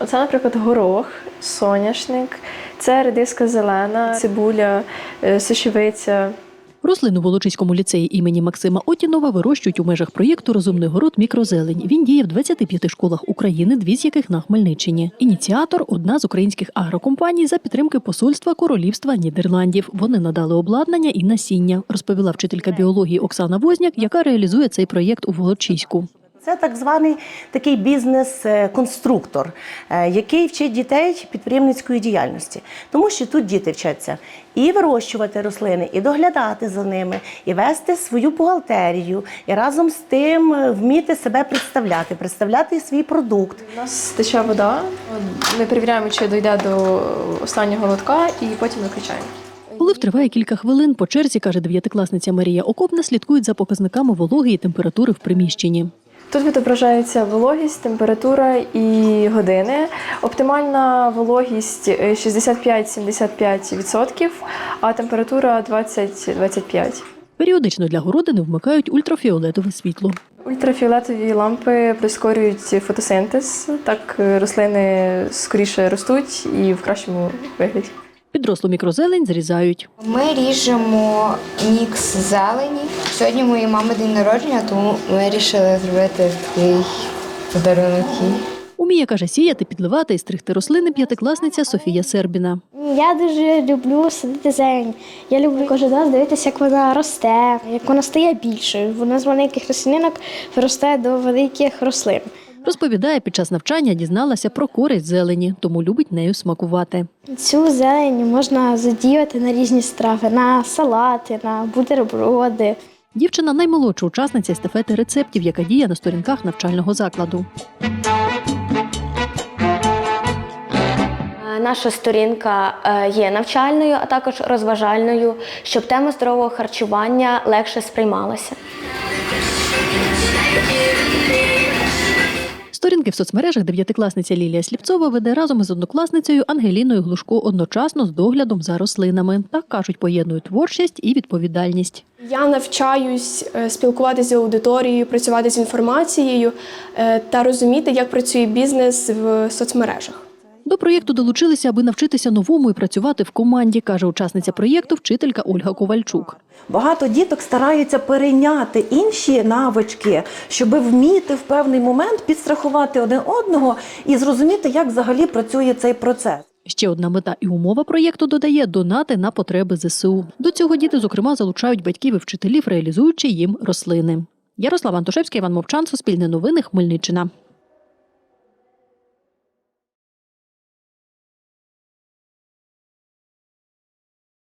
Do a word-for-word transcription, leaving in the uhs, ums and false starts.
Оце, наприклад, горох, соняшник, це редиска зелена, цибуля, сушевиця. Рослину в Волочиському ліцеї імені Максима Отінова вирощують у межах проєкту «Розумний город. Мікрозелень». Він діє в двадцяти п'яти школах України, дві з яких на Хмельниччині. Ініціатор – одна з українських агрокомпаній за підтримки посольства Королівства Нідерландів. Вони надали обладнання і насіння, розповіла вчителька біології Оксана Возняк, яка реалізує цей проєкт у Волочиську. Це так званий такий бізнес-конструктор, який вчить дітей підприємницької діяльності. Тому що тут діти вчаться і вирощувати рослини, і доглядати за ними, і вести свою бухгалтерію, і разом з тим вміти себе представляти, представляти свій продукт. У нас тече вода, ми перевіряємо, чи дійде до останнього лотка, і потім виключаємо. Полив триває кілька хвилин. По черзі, каже дев'ятикласниця Марія Окопна, слідкують за показниками вологи і температури в приміщенні. Тут відображається вологість, температура і години. Оптимальна вологість шістдесят п'ять - сімдесят п'ять відсотків, а температура двадцять - двадцять п'ять. Періодично для городини вмикають ультрафіолетове світло. Ультрафіолетові лампи прискорюють фотосинтез, так рослини скоріше ростуть і в кращому вигляді. Підрослу мікрозелень зрізають. Ми ріжемо мікс зелені. Сьогодні моєї мами день народження, тому ми вирішили зробити такий подарунок їй. Уміє, каже, сіяти, підливати і стригти рослини п'ятикласниця Софія Сербіна. Я дуже люблю садити зелень. Я люблю кожен раз дивитися, як вона росте, як вона стає більшою. Вона з маленьких рослинок виростає до великих рослин. Розповідає, під час навчання дізналася про користь зелені, тому любить нею смакувати. Цю зелень можна задіяти на різні страви, на салати, на бутерброди. Дівчина – наймолодша учасниця естафети рецептів, яка діє на сторінках навчального закладу. Наша сторінка є навчальною, а також розважальною, щоб тема здорового харчування легше сприймалася. Сторінки в соцмережах дев'ятикласниця Лілія Сліпцова веде разом із однокласницею Ангеліною Глушко одночасно з доглядом за рослинами. Так, кажуть, поєднують творчість і відповідальність. Я навчаюсь спілкуватися з аудиторією, працювати з інформацією та розуміти, як працює бізнес в соцмережах. До проєкту долучилися, аби навчитися новому і працювати в команді, каже учасниця проєкту вчителька Ольга Ковальчук. Багато діток стараються перейняти інші навички, щоб вміти в певний момент підстрахувати один одного і зрозуміти, як взагалі працює цей процес. Ще одна мета і умова проєкту, додає, донати на потреби зе се у. До цього діти, зокрема, залучають батьків і вчителів, реалізуючи їм рослини. Ярослава Антошевська, Іван Мовчан, Суспільне новини, Хмельниччина.